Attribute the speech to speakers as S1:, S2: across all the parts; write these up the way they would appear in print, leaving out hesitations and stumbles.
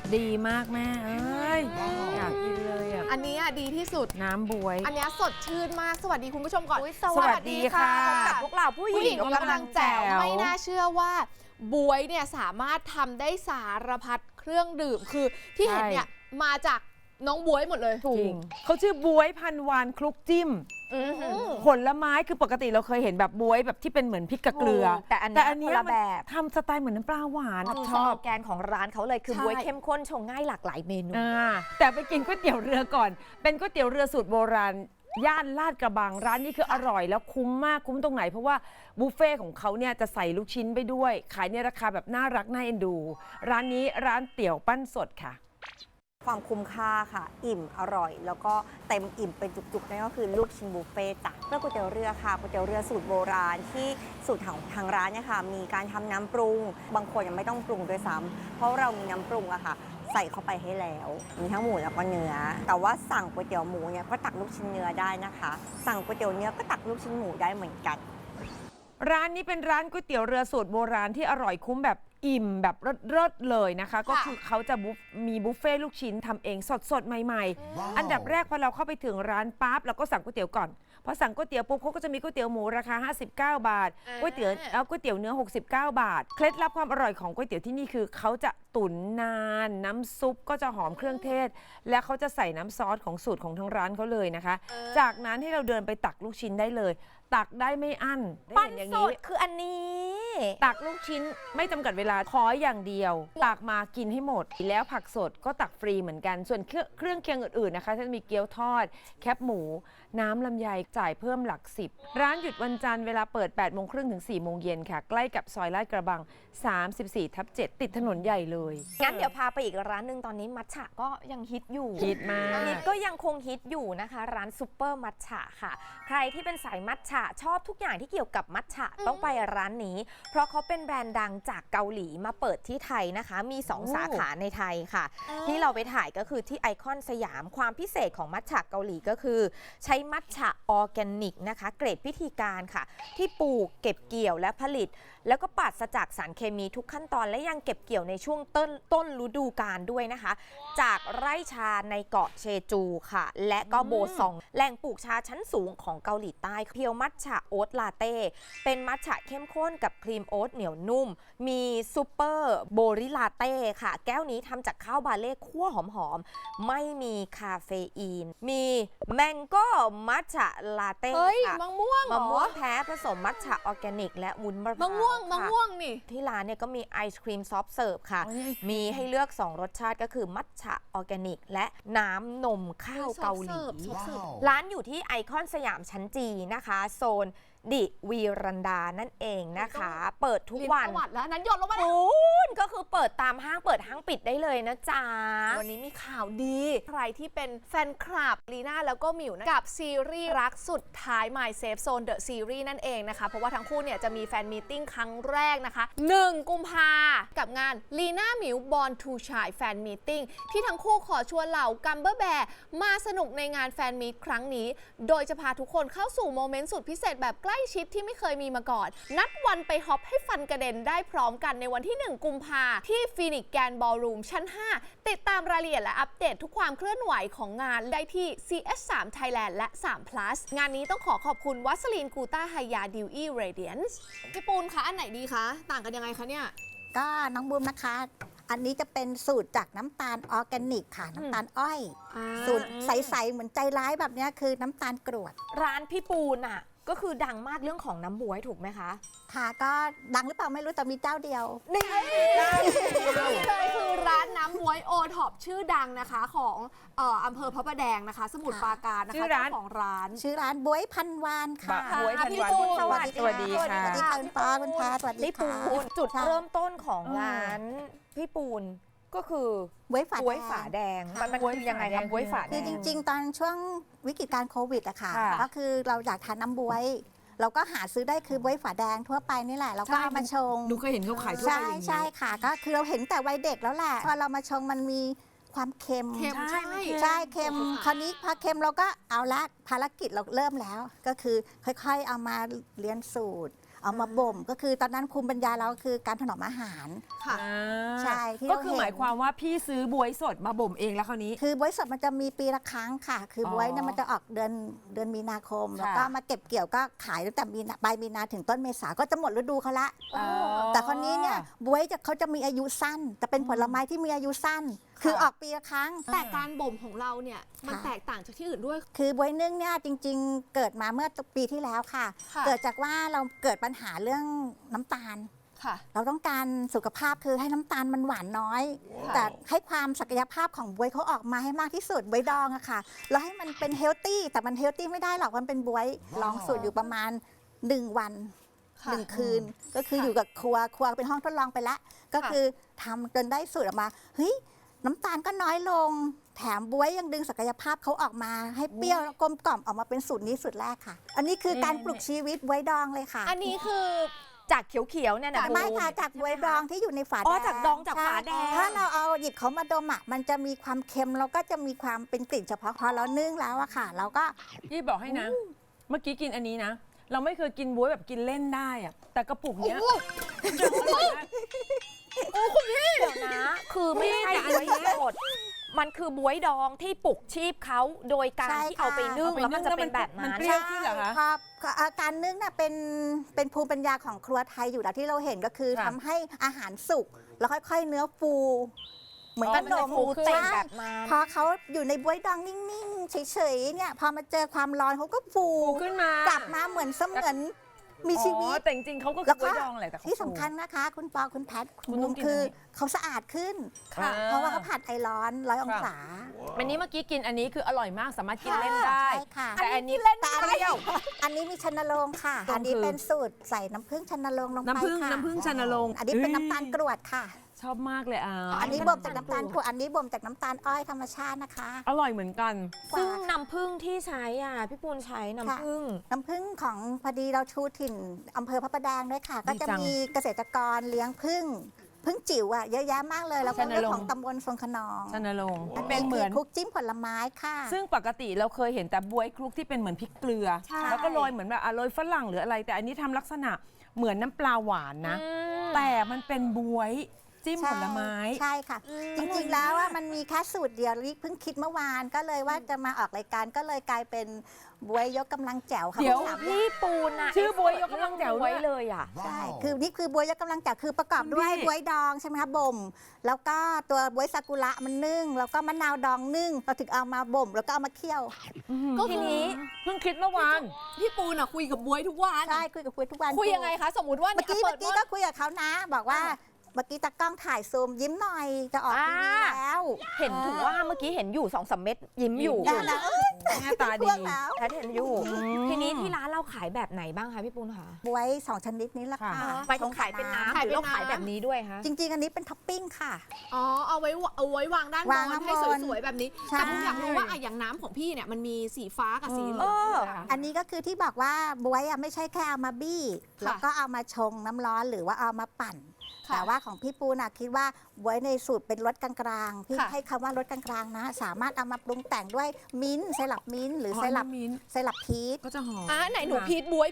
S1: ดีมากแม่เอ้ยอยากกินเลยอ่ะ
S2: อันนี้ดีที่สุด
S1: น้ำบวย
S2: อันนี้สดชื่นมากสวัสดีคุณผู้ชมก่อน
S1: สวัสดีค่ะ
S3: พบกับพวกเราผู้หญิง
S2: กำลังแจ๋วไม่น่าเชื่อว่าบวยเนี่ยสามารถทำได้สารพัดเครื่องดื่มคือที่เห็นเนี่ยมาจากน้องบวยหมดเลย
S1: จริงเขาชื่อบวยพันวานคลุกจิ้มผลไม้คือปกติเราเคยเห็นแบบบวยแบบที่เป็นเหมือนพริกกับเกลือ
S3: แต่อันนี้คนละแบบ
S1: ทำสไตล์เหมือนน้ำปลาหวาน
S3: คือ
S1: ช
S3: ส
S1: อ
S3: โล
S1: บ
S3: แกนของร้านเขาเลยคือ
S2: ใช่
S3: บวยเข้มข้นชงง่ายหลากหลายเมนู
S1: แต่ไปกินก๋วยเตี๋ยวเรือก่อน เป็นก๋วยเตี๋ยวเรือสูตรโบราณย่านลาดกระบังร้านนี้คืออร่อยแล้วคุ้มมากคุ้มตรงไหนเพราะว่าบุฟเฟ่ของเขาเนี่ยจะใส่ลูกชิ้นไปด้วย ขายในราคาแบบน่ารักน่าเอ็นดู ร้านนี้ร้านเตี๋ยวปั้นสดค่ะ
S4: ความคุ้มค่าค่ะ อิ่มอร่อย แล้วก็เต็มอิ่มเป็นจุกๆนั่นก็คือลูกชิ้นบุฟเฟ่ต์จ้ะเรื่องก๋วยเตี๋ยวเรือค่ะก๋วยเตี๋ยวเรือสูตรโบราณที่สูตรของทางร้านเนี่ยค่ะมีการทำน้ำปรุง บางคนยังไม่ต้องปรุงด้วยซ้ำเพราะเรามีน้ำปรุงอะค่ะใส่เข้าไปให้แล้วมีทั้งหมูแล้วก็เนื้อแต่ว่าสั่งก๋วยเตี๋ยวหมูเนี่ยก็ตักลูกชิ้นเนื้อได้นะคะ สั่งก๋วยเตี๋ยวเนื้อก็ตักลูกชิ้นหมูได้เหมือนกัน
S1: ร้านนี้เป็นร้านก๋วยเตี๋ยวเรือสูตรโบราณที่อร่อยคุ้มแบบอิ่มแบบเลิศๆเลยนะคะ ก็คือเขาจะมีบุฟเฟ่ลูกชิ้นทำเองสดๆ ใหม่ๆ อันดับแรกพอเราเข้าไปถึงร้านปั๊บเราก็สั่งก๋วยเตี๋ยวก่อนพอสั่งก๋วยเตี๋ยวปุ๊บเขาก็จะมีก๋วยเตี๋ยวหมูราคา59 บาทก๋วยเตี๋ยวเนื้อ69 บาทเคล็ดลับความอร่อยของก๋วยเตี๋ยวที่นี่คือเขาจะตุ๋นนานน้ำซุปก็จะหอมเครื่องเทศ และเขาจะใส่น้ำซอสของสูตรของทางร้านเขาเลยนะคะ จากนั้นให้เราเดินไปตักลูกชิ้นได้เลย ตักได้ไม่อั้นได้
S3: ปั้น
S1: เห็อย่าง
S3: ส
S1: นี้
S3: ดคืออันนี้
S1: ตักลูกชิ้นไม่จำกัดเวลาขออย่างเดียวตักมากินให้หมด แล้วผักสดก็ตักฟรีเหมือนกัน ส่วนเครื่องเคียงอื่นๆนะคะจะมีเกี๊ยวทอด แคบหมู น้ำลำไยจ่ายเพิ่มหลัก10ร้านหยุดวันจันทร์เวลาเปิด 8 โมงครึ่งถึง 4 โมงเย็นค่ะ ใกล้กับซอยลาดกระบัง 34/7 ติดถนนใหญ่เลย
S3: งั้นเดี๋ยวพาไปอีกร้านหนึ่งตอนนี้มัทฉะก็ยังฮิตอยู่
S1: ฮิตมาก
S3: ฮิตก็ยังคงฮิตอยู่นะคะ ร้านซุปเปอร์มัทฉะค่ะ ใครที่เป็นสายมัทฉะชอบทุกอย่างที่เกี่ยวกับมัทฉะต้องไปร้านนี้ เพราะเขาเป็นแบรนด์ดังจากเกาหลีมาเปิดที่ไทยนะคะ มี 2 สาขาในไทยค่ะ ที่เราไปถ่ายก็คือที่ไอคอนสยามความพิเศษของมัทฉะเกาหลีก็คือ ใช้มัทฉะออร์แกนิกนะคะ เกรดพิธีการค่ะ ที่ปลูกเก็บเกี่ยวและผลิต แล้วก็ปราศจากสารเคมีทุกขั้นตอนและยังเก็บเกี่ยวในช่วงต้นฤดูกาลด้วยนะคะ จากไร่ชาในเกาะเชจูค่ะ และก็โบซองแหล่งปลูกชาชั้นสูงของเกาหลีใต้เพียวมัทฉะโอ๊ตลาเต้เป็นมัทฉะเข้มข้นกับครีมโอ๊ตเหนียวนุ่ม มีซูเปอร์โบริลาเต้ค่ะ แก้วนี้ทำจากข้าวบาเล่คั่วหอมๆไม่มีคาเฟอีน มีแมงโก้มัทฉะลาเต้
S2: เฮ้ย
S3: ค่ะ
S2: มะม่วงเหรอ
S3: มะม่วงแท้ผสมมัทฉะออร์แกนิกและวุ้นมะพร้าว
S2: มะ
S3: ค่ะ
S2: ม่วงนี่
S3: ที่ร้านเนี่ยก็มีไอศครีมซอฟต์เสิร์ฟค่ะ
S1: อ๋อนี่ไอศกรีม
S3: มีให้เลือก 2 รสชาติก็คือมัทฉะออร์แกนิก และน้ำนมข้าวเกาหลี ร้านอยู่ที่ไอคอนสยามชั้นจีนะคะ โซนดิวีรันดานั่นเองนะคะ เปิดทุกวัน
S2: ประวัติแล้วนั้นหยดลงมา
S3: คุณก็คือเปิดตามห้างเปิดห้างปิดได้เลยนะจ๊ะ
S2: วันนี้มีข่าวดี ใครที่เป็นแฟนคลับลีน่าแล้วก็หมิวนะกับซีรีส์รักสุดท้าย My Safe Zone The Series นั่นเองนะคะ เพราะว่าทั้งคู่เนี่ยจะมีแฟนมีตติ้งครั้งแรกนะคะ 1 กุมภากับงานลีน่าหมิว Born to Shine แฟนมีตติ้งที่ทั้งคู่ขอชวนเหล่ากัมเบอร์แบร์มาสนุกในงานแฟนมีตครั้งนี้ โดยจะพาทุกคนเข้าสู่โมเมนต์สุดพิเศษแบบใกล้ชิดที่ไม่เคยมีมาก่อน นัดวันไปฮอปให้ฟันกระเด็นได้พร้อมกันในวันที่ 1 กุมภาที่ฟีนิกซ์แกรนด์บอลรูมชั้น 5 ติดตามรายละเอียดและอัปเดตทุกความเคลื่อนไหวของงานได้ที่ CS3 Thailand และ 3 plus งานนี้ต้องขอบคุณวัสลีนกูต้าไฮยาดิวอี้เรเดียนซ์พี่ปูนคะ อันไหนดีคะ ต่างกันยังไงคะเนี่ย
S5: ก็น้องบูมนะคะ อันนี้จะเป็นสูตรจากน้ำตาลออร์แกนิกค่ะ น้ำตาลอ้อย สูตรใส ๆ เหมือนใจร้ายแบบนี้คือน้ำตาลกรวด
S3: ร้านพี่ปูนอ่ะก็คือดังมากเรื่องของน้ำบ๊วยถูกไหมคะ
S5: ค่ะก็ดังหรือเปล่าไม่รู้แต่มีเจ้าเดียว
S3: นี่
S2: นี่เลยคือร้านน้ำบ๊วยโอท็อปชื่อดังนะคะของอำเภอพระประแดงนะคะ สมุทรปราการนะคะ
S1: ชื่อร้าน
S2: เจ้าของร้าน
S5: ชื่อร้านบวยพันวานค่ะ
S1: บ๊วยพันวาน
S2: พี่ปูน
S1: สวัสดีค่ะ
S5: สวัสดีค่ะคุณปอคุณพาสวัสดี
S3: พี่ปู
S5: ค่ะ
S3: นจุด
S5: ค่ะ
S3: เริ่มต้นของร้านพี่ปูนก็คือบ
S5: วยฝา
S3: บ๊วย
S5: แด
S3: ฝาง แดงมัน
S1: บ๊วย
S3: คือยังไง
S1: ฝาแด
S3: คะ
S1: ง
S3: บ๊วยฝาแด
S5: คือง จริง ๆ ตอนช่วงวิกฤตการโควิดอะค่ะ
S3: ค่ะ
S5: ก็คือเราอยากทานน้ำบวย เราก็หาซื้อได้คือบวยฝาแดงทั่วไปนี่แหละเราก็เอามาชง
S1: หนูเคยเห็นเขาขายทั่วไป
S5: ใช่
S1: อย่างนี้
S5: ใช่ค่ะ ก็คือเราเห็นแต่วัยเด็กแล้วแหละพอเรามาชงมันมีความเค็ม
S2: เค็มใช่
S5: ใช่เค็มคราวนี้พอเค็มเราก็เอาละภารกิจเราเริ่มแล้ว ก็คือค่อยๆเอามาเรียนสูตรเอามาบ่มก็คือตอนนั้นภูมิปัญญาเราคือการถนอมอาหาร
S2: ค่ะ
S5: ใช่ที่
S1: ก็
S5: เรา
S1: คือ
S5: เห็น
S1: หมายความว่าพี่ซื้อบวยสดมาบ่มเองแล้วคราวนี้
S5: คือบวยสดมันจะมีปีละครั้งค่ะ คือบวยเนี่ยมันจะออกเดือนมีนาคม
S1: ค่ะ
S5: แล้วก็มาเก็บเกี่ยวก็ขายตั้งแต่ปลายมีนาถึงต้นเมษาก็จะหมดฤดูเขาละ แต่คนนี้เนี่ยบวยเขาจะมีอายุสั้นแต่เป็นผลไม้ที่มีอายุสั้น คือออกปีละครั้ง
S2: แต่การบ่มของเราเนี่ยมัน
S5: ค่ะ
S2: แตกต่างจากที่อื่นด้วย
S5: คือบวยนึ่งเนี่ยจริงๆ เกิดมาเมื่อปีที่แล้วค่ะ
S2: ค่ะ
S5: เกิดจากว่าเราเกิดปัญหาเรื่องน้ำตาล
S2: ค่ะ
S5: เราต้องการสุขภาพคือให้น้ำตาลมันหวานน้อย แต่ให้ความศักยภาพของบวยเขาออกมาให้มากที่สุดบวยดองอะค่ะแล้วให้มันเป็นเฮลตี้แต่มันเฮลตี้ไม่ได้หรอกมันเป็นบวยลองสูตรอยู่ประมาณ 1 วัน
S2: ค่ะ
S5: 1 คืน ก็คืออยู่กับครัวเป็นห้องทดลองไปละก็คือทำจนได้สูตรออกมาเฮ้ยน้ำตาลก็น้อยลง แถมบวยยังดึงศักยภาพเขาออกมาให้เปรี้ยวแล้วกลมกล่อมออกมาเป็นสูตรนี้สูตรแรกค่ะ อันนี้คือการปลุกชีวิตบวยดองเลยค่ะ
S2: อันนี้คือ
S3: จากเขียวๆเนี่ยนะ
S5: ไม่ค่ะจากบวยดองที่อยู่ในฝาแดง
S3: อ๋อจากดองจากฝาแดง
S5: ใช่ถ้าเราเอาหยิบเขามาดมอ่ะมันจะมีความเค็มแล้วก็จะมีความเป็นกลิ่นเฉพาะพอเรานึ่งแล้วอะค่ะ เราก็
S1: พี่บอกให้นะ เมื่อกี้กินอันนี้นะ เราไม่เคยกินบวยแบบกินเล่นได้อะแต่กระปุกเนี้ยมันจะอร่อยมาก
S3: เดี๋ยวนะ คือไม่ใช่
S1: แต่อัน
S3: บวย
S1: เนี้ย
S3: สดมันคือบวยดองที่ปลุกชีพเขาโดยการ
S5: ใช่
S3: ที่เอาไปนึ่ง
S1: ค่ะ
S3: แล้วมันจะเป็นแบบ
S1: มัน
S3: นั้น
S1: เปรี้ยว ขึ้นเหรอคะ
S5: พอการนึ่งน่ะเป็นภูมิปัญญาของครัวไทยอยู่แล้วที่เราเห็นก็คือ
S1: ค่ะ
S5: ทำให้อาหารสุกแล้วค่อยๆ เนื้อฟู เหมือน
S3: อ๋อ
S5: ขนม
S3: มันจะฟูขึ้น
S5: ใช่
S3: แบบนั้น
S5: พอเขาอยู่ในบวยดองนิ่งๆเฉยๆเนี่ยพอมาเจอความร้อนเขาก็ฟู
S1: ฟูขึ้นมาก
S5: ลับมาเหมือนเสมือนมีชีวิ
S1: อ๋อ
S5: ต
S1: แต่จริงๆเขาก็คื
S5: แล้
S1: อ
S5: ว
S1: บ
S5: ก็
S1: วยดองแหละแต่เขา
S5: ที่สำ
S1: ฟู
S5: คัญนะคะ คุณปอคุณแพท
S1: คุณ
S5: บุ
S1: ต้อ
S5: ม
S1: งกิน
S5: คือ
S1: อันนี้
S5: เขาสะอาดขึ้น
S1: ค่ะ
S5: เพราะว่าเขาผัดไอร้อน100 องศา
S1: อันนี้เมื่อกี้กินอันนี้คืออร่อยมากสามารถกินเล่นได้
S5: ใช่ค่ะ
S1: แต่อันนี้
S5: แต่อันนี้อันนี้มีชันนโรงค่ะ
S1: ตรง
S5: อันนี้
S1: คือ
S5: เป็นสูตรใส่น้ำผึ้งชันนโรงลงไป
S1: น้ำผึ้ง
S5: ค่ะ
S1: น้ำผึ้งชันนโรง
S5: อันนี้เป็นน้ำตาลกรวดค่ะ
S1: ชอบมากเลยอ่ะ
S5: อันนี้บ่มจากน้ำตาลกรวดอันนี้บ่มจากน้ำตาลอ้อยธรรมชาตินะคะ
S1: อร่อยเหมือนกัน
S3: ซึ่งน้ำผึ้งที่ใช้อ่ะพี่ปูนใช้น้ำผึ้ง
S5: น้ำผึ้งของพอดีเราชูถิ่นอำเภอพระประแดงด้วยค่ะ ก็จะ
S1: จัง
S5: มีเกษตรกรเลี้ยงผึ้งจิ๋วอ่ะเยอะแยะมากเลยแล้วก็
S1: ชันน
S5: เรื่อง
S1: รงค์
S5: ของตำบลทรงขนอง
S1: ชันนโรง
S5: อัน
S1: เป็น
S5: นี้
S1: เห
S5: คื
S1: มื
S5: อ
S1: อน
S5: คลุกจิ้มผลไม้ค่ะ
S1: ซึ่งปกติเราเคยเห็นแต่บวยคลุกที่เป็นเหมือนพริกเกลือ
S5: ใช่
S1: แล้วก็โรยเหมือนแบบโรยฝรั่งหรืออะไร แต่อันนี้ทำลักษณะเหมือนน้ำปลาหวานนะ แต่มันเป็นบวยจิ้มผลไม้
S5: ใช่ค่ะ จริงๆแล้วว่ามันมีแค่สูตรเดียวลิเพิ่งคิดเมื่อวานก็เลยว่าจะมาออกรายการก็เลยกลายเป็นบวยยกกำลังแจ๋วค่ะ
S1: เดี๋ยว
S5: คุณสาม
S3: พี่ปูนอ่ะ
S1: ชื่อบวยยกกำลังแจ๋วด้วย
S3: ไว้เลยอ่ะ
S5: ใช่คือนี่คือบวยยกกำลังแจ๋วคือประกอบด้วย
S1: คุณพี่
S5: บวยดองใช่ไหมคะบ่ม แล้วก็ตัวบวยซากุระมันนึ่งแล้วก็มะนาวดองนึ่งเราถึงเอามาบ่มแล้วก็เอามาเคี่ยว
S2: ก็
S3: ที
S2: คือ
S3: นี้
S1: เพิ่งคิดเมื่อวาน
S2: พี่ปูนอะคุยกับบวยทุกวัน
S5: ใช่คุยกับคุยทุกวัน
S2: คุยยังไงคะ สมมติว่า
S5: เมื่อกี้
S2: เปิด
S5: ก็คุยกับเขานะ บอกว่าเมื่อกี้ตากล้องถ่ายซูมยิ้มหน่อยจะออกทีวีแล้ว
S3: เห็นถึงว่าเมื่อกี้เห็นอยู่2-3 เม็ดยิ้มอยู่
S5: ได้แล้ว
S1: หน้าตาดี
S5: พวกแล้ว
S3: แพทเห็นอยู่ ทีนี้ที่ร้านเราขายแบบไหนบ้างคะพี่ปูนคะ
S5: บวย2 ชนิดนี้ละค่ะ
S1: ค่ะ
S3: ไปขายเป็นน้ำหรือเราขายแบบนี้ด้วยคะ
S5: จริง ๆ อันนี้เป็นท็อปปิ้งค่ะ
S2: อ๋อเอาไว้วางด้านบ
S5: วาง
S2: น
S5: ข้างบน
S2: ให้สวยๆแบบนี้
S5: ใช่
S2: แต่ผมอยากรู้ว่าอะอย่างน้ำของพี่เนี่ยมันมีสีฟ้ากับสีเหลือง
S5: อันนี้ก็คือที่บอกว่าบวยอ่ะไม่ใช่แค่เอามาบี้
S2: ค่ะ
S5: แล้วก็เอามาชงน้ำร้อนหรือว่าเอามาปั่น
S2: ค่ะ
S5: แต่ว่าของพี่ปูน่ะคิดว่าบวยในสูตรเป็นรสกลางๆพี่
S2: ค่ะ
S5: ให้คำว่ารสกลางๆนะ สามารถเอามาปรุงแต่งด้วยมิ้นท์ไซรัปมิ้นท์หรือไซรัป
S1: มิ้นท์
S5: ไซรัปพีช
S1: ก็จะหอม
S2: ไหนหนูพีทบวย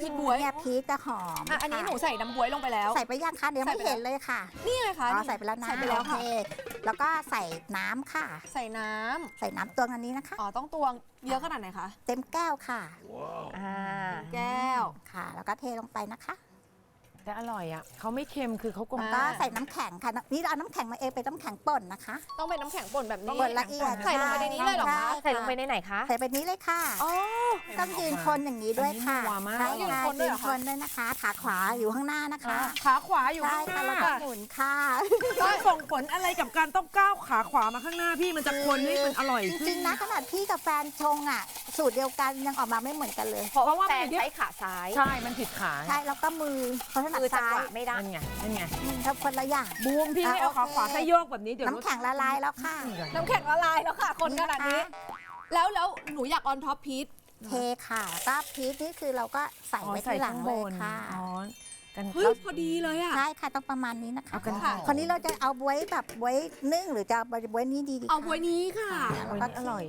S5: เนี่ยพีชจะหอม
S2: อันนี้หนู
S5: ค่ะ
S2: ใส่น้ำบวยลงไปแล้ว
S5: ใส่ไปยังคะเดี๋ยว
S2: ใส่
S5: ไม่
S2: ไปแล้ว
S5: เห็นเลยค่ะ
S2: นี่ไงคะ
S5: อ๋อใส่ไปแล้วนะ
S2: ใส่ไปแล้วค่ะ
S5: โอเคแล้วก็ใส่น้ำค่ะ
S2: ใส่น้ำ
S5: ใส่น้ำตวงอันนี้นะคะ
S2: อ๋อต้องตวงเยอะขนาดไหนคะ
S5: เต็มแก้วค่ะ
S2: แก้ว
S5: ค่ะ แล้วก็เทลงไปนะคะ
S1: แต่อร่อยอ่ะเขาไม่เค็มคือเขากลม
S5: แล้วก็ใส่น้ำแข็งค่ะนี่เราเอาน้ำแข็งมาเองเป็นน้ำแข็งป่นนะคะ
S2: ต้องเป็นน้ำแข็งป่นแบบนี้
S5: ป่นละเอียด
S2: ใส่ลงไปในนี้เลยเหรอคะ
S3: ใส่ลงไปในไหนคะ
S5: ใส่ไปนี้เลยค่ะ
S2: อ๋อ
S5: ต้องยืนคนอย่างนี้ด้วยค่ะ
S1: อันนี้นัวมาก
S5: ใช่
S2: ยืน
S5: ค่ะ
S2: คนด้
S5: ยื
S2: วยเหร
S5: น
S2: อคะ
S5: คนด้วยนะคะ ขาขวาอยู่ข้างหน้านะคะ
S1: ขาขวาอยู่
S5: ใช่
S1: ข้างห
S5: ค่ะ
S1: น้า
S5: แล้วก็หมุนค่ะ
S1: มันส่งผลอะไรกับการต้องก้าวขาขวามาข้างหน้าพี่มันจะคนให้มันอร่อย
S5: จ
S1: ขึ้
S5: ริงๆนะขนาดพี่กับแฟนชงอ่ะ สูตรเดียวกันยังออกมาไม่เหมือนกันเลย
S3: เพราะว่า
S1: เพราะว่า
S3: แฟ
S1: มัน
S3: น
S1: เยอะ
S3: ใช้ขาซ้าย
S1: ใช่มันผิดขา
S5: ใช่แล้วก็มือเขาถนัด
S3: คือจัง
S5: ซ้า
S3: ห
S5: ยว
S3: ะไม่ได้
S1: นั่นไงนั่นไง
S5: ทำคนละอย่าง
S1: บูมพี่ไม่เอา
S5: อ่ะ
S1: ขาขวา
S5: โอเค
S1: แค่โยกแบบนี้เดี๋ยว
S5: น้ำแข็งละลายแล้วค่ะ
S2: น้ำแข็งละลายแล้วค่ะ คนขนาดนี้ แล้วหนูอยากออนท็อปพีท
S5: เทค่ะแล้วก็พีชนี่คือเราก็ใส่
S1: อ๋อ
S5: ไว้
S1: ใส่
S5: ที่หลั
S1: ข้าง ง
S5: เล
S1: บ
S5: ย
S1: น
S5: ค่ะ
S1: อ๋อกัน
S2: เฮ้ยพอดีเลยอ่ะ
S5: ใช่ค่ะต้องประมาณนี้นะคะ
S1: เอากัน
S2: ค่ะ
S5: คนนี้เราจะเอาบวยแบบบวยนึ่งหรือจะเอาบวยนี้ดีคะ
S2: เอาบวยนี้ค่ะ
S1: วันนี้อร่อย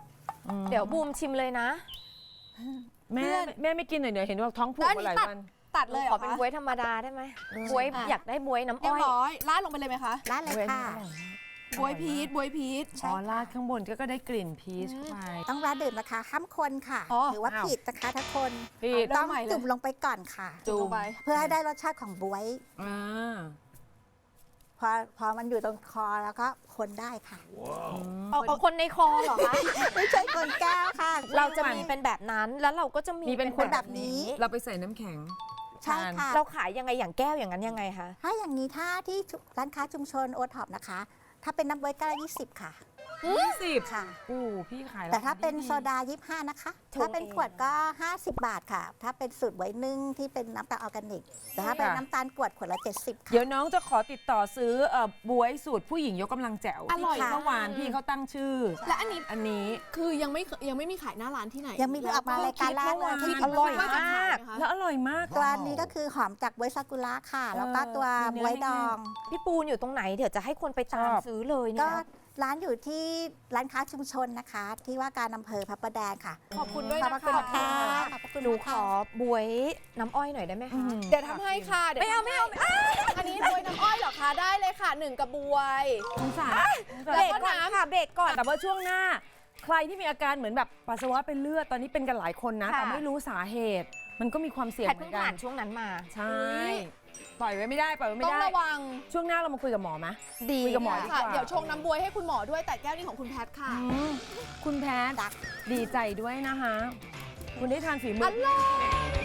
S1: อืม
S3: เดี๋ยวบูมชิมเลยนะ
S1: แม่ไม่กินหน่อยเดี๋ยวเห็นว่าท้องผูกมาหลายวัน
S2: ตัดเลยเหร
S3: ขอ
S2: อ
S3: เป็น
S2: คะ
S3: บ๊วยธรรมดาได้ไหมบ๊วยอยากได้บ๊วยน้ำ
S2: เรีย
S3: อ้
S2: บ
S3: อย
S2: ร้อยราดลงไปเลยไหมคะ
S5: ร้านเลยค่ะ
S2: บวยพีชบวยพีช
S1: อ๋อราดข้างบนก็ได้กลิ่นพีชเข้าไป
S5: ต้องร้านดื่มนะคะห้ามคนค่ะ
S2: อ๋อ
S5: หรือว่า
S1: อ้าว
S5: ผิดนะคะถ้าคน
S1: ผิด
S5: ต้อง
S2: ใหม่เลย
S5: จุ่มลงไปก่อนค่ะ
S2: จุ่มลงไป
S5: เพื่อให้ได้รสชาติของบวย
S1: อ่า
S5: พอมันอยู่ตรงคอแล้วก็คนได้ค่ะ
S3: เอาคนในคอเหรอคะ
S5: ไม่ใช่คนแก้วค่ะ
S3: เราจะมีเป็นแบบนั้นแล้วเราก็จะมี
S1: มีเป็น
S5: แบบนี้
S1: เราไปใส่น้ำแข็ง
S5: ใช่ค่ะ
S3: เราขายยังไงอย่างแก้วอย่างนั้นยังไงคะ
S5: ถ้าอย่างนี้ถ้าที่ร้านค้าชุมชนโอท็อปนะคะ ถ้าเป็นน้ำบวยก็20 ค่ะ
S1: 20
S5: ค่ะ
S1: อู้พี่ขาย
S5: แต่ถ้าเป็น
S1: ดี
S5: โซดา25นะคะ
S3: ถูก
S5: ถ้าเป็นขวดก็ 50 บาทค่ะ ถ้าเป็นสูตรบวยนึ่งที่เป็นน้ำตาลออร์แกนิก แต่ถ้าเป็นน้ำตาลกรวดขวดละ70 ค่ะ
S1: เดี๋ยวน้องจะขอติดต่อซื้อบวยสูตรผู้หญิงยกกำลังแจ๋ว
S2: อร่อย
S1: ที่เมื่อวานพี่เขาตั้งชื่อ
S2: และอันนี้
S1: อันนี้
S2: คือยังไม่มีขายหน้าร้านที่ไหน
S5: ยังมีเพิ่งออกมารายการแรกเลย
S1: ที่
S5: ที่
S1: อร่อย
S2: ว่าจะขายไหมคะ
S1: แล้วอร่อยมาก
S5: ตัวนี้ก็คือหอมจากบวยซากุระค่ะ แล้วก็ตัว
S1: มี
S5: บ
S1: เนื้อ
S5: วยดอง
S3: พี่ปูนอยู่ตรงไหนเดี๋ยวจะให้คนไปตาม
S1: ชอบ
S3: ซื้อเลย
S5: ก็
S3: เนี่ย
S5: ร้านอยู่ที่ร้านค้าชุมชนนะคะ ที่ว่าการอำเภอพระประแดงค่ะ
S2: ขอบคุณด้วย
S5: ขอบ
S2: นะ
S5: พระ
S2: คะ
S5: คุณค่ะขอบพระคุณ
S3: หนู
S5: มาก
S3: ข
S5: ค่ะ
S3: อบวยน้ำอ้อยหน่อยได้ไหมคะ
S2: เดี๋ยวทำให้ค่ะเดี๋ยว
S3: ไม่เอา
S2: ทำให้อันนี้บวยน้ำอ้อยเหรอคะได้เลยค่ะ1กระบวย
S1: สงสาร
S3: เบรกก่อนค่ะเบรกก่อน
S1: แต่ว่าช่วงหน้า ใครที่มีอาการเหมือนแบบปัสสาวะเป็นเลือดตอนนี้เป็นกันหลายคนนะ
S3: ค่ะ
S1: แต่ไม่รู้สาเหตุ มันก็มีความเสี่ยง
S3: แพท
S1: เหมื
S3: เพิ่
S1: อง นกั
S3: ผ่าน นช่วงนั้นมา
S1: ใช่ปล่อยไว้ไม่ได้ปล่อยไว้ไม่
S2: ต้อง
S1: ได้
S2: ระวัง
S1: ช่วงหน้าเรามาคุยกับหมอไหม
S3: ดี
S1: คุยกับหมอ
S2: ค่ะ เดี๋ยวชงน้ำบวยให้คุณหมอด้วยแต่แก้วนี้ของคุณแพทค่ะ
S1: คุณแพทย์ดีใจด้วยนะคะ คุณได้ทานฝีมื
S2: อ
S1: อ
S2: ร่อย